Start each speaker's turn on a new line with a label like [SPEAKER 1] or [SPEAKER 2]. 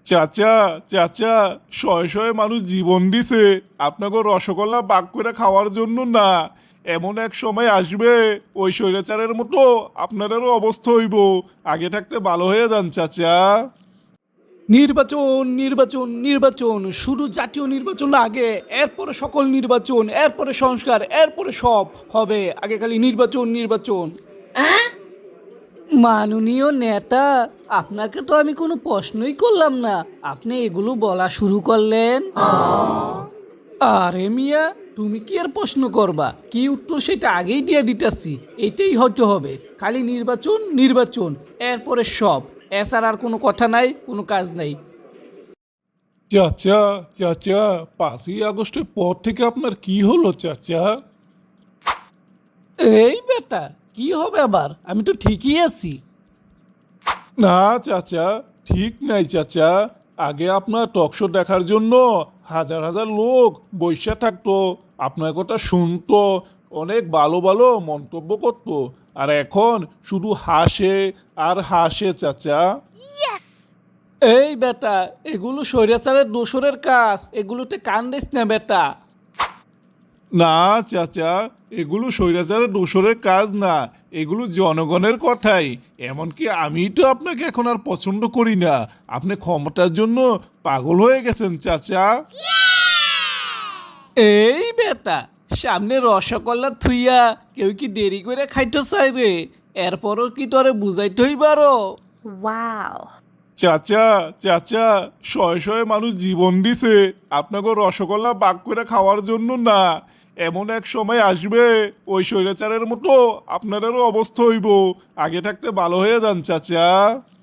[SPEAKER 1] চাচা, চাচা, শয়ে শয়ে মানুষ জীবন দিছে আপনাকে রসগোল্লা বাগ করে খাওয়ার জন্য না। এমন এক সময় আসবে ওই স্বৈরাচারের মতো আপনাদেরও অবস্থা হইব। আগে থাকতে ভালো হয়ে যান চাচা।
[SPEAKER 2] নির্বাচন নির্বাচন নির্বাচন, শুধু জাতীয় নির্বাচন না আগে, এরপরে সকল নির্বাচন, এরপরে সংস্কার, এরপরে সব হবে, আগে খালি নির্বাচন নির্বাচন। মাননীয় নেতা, আপনাকে তো আমি কোনো প্রশ্নই করলাম না, আপনি এগুলো বলা শুরু করলেন। আরে মিয়া, তুমি কি আর প্রশ্ন করবা? কি উত্তর সেটা আগেই দিয়ে দিতেছি। এইটাই হয়তো হবে, খালি নির্বাচন নির্বাচন, এরপরে সব, এছাড়া আর কোনো কথা নাই, কোনো কাজ নাই।
[SPEAKER 1] চাচা, চাচা, 5ই আগস্টের পর থেকে আপনার কি হলো চাচা?
[SPEAKER 2] এই বেটা, কি হবে আবার? আমি তো ঠিকই আছি।
[SPEAKER 1] না চাচা, ঠিক নাই চাচা। আগে আপনার টকশো দেখার জন্য হাজার হাজার লোক বৈশা থাকতো, আপনার কথা শুনতো, অনেক ভালো ভালো মন্তব্য করতো। আর এখন শুধু হাসে আর হাসে চাচা।
[SPEAKER 2] এই বেটা, এগুলো স্বৈরাচারের দোসরের কাজ, এগুলোতে কান দিস না বেটা।
[SPEAKER 1] না চাচা, এগুলো স্বৈরাচারের দোসরের কাজ না, এগুলো জনগণের কথাই। এমনকি আমি তো আপনাকে এখন আর পছন্দ করি না। আপনি ক্ষমতার জন্য পাগল হয়ে গেছেন চাচা।
[SPEAKER 2] এই বেটা, সামনে রসগোল্লা থুইয়া কেউ কি দেরি করে খাইতে চাই রে? এরপরও কি তোরে বুঝাইতে হইবারো?
[SPEAKER 3] Wow.
[SPEAKER 1] চাচা, চাচা, শয়ে শয়ে মানুষ জীবন দিছে আপনাকে রসগোল্লা বাগ করে খাওয়ার জন্য না। এমন এক সময় আসবে ওই স্বৈরাচারের মতো আপনাদেরও অবস্থা হইব। আগে থাকতে ভালো হয়ে যান চাচা।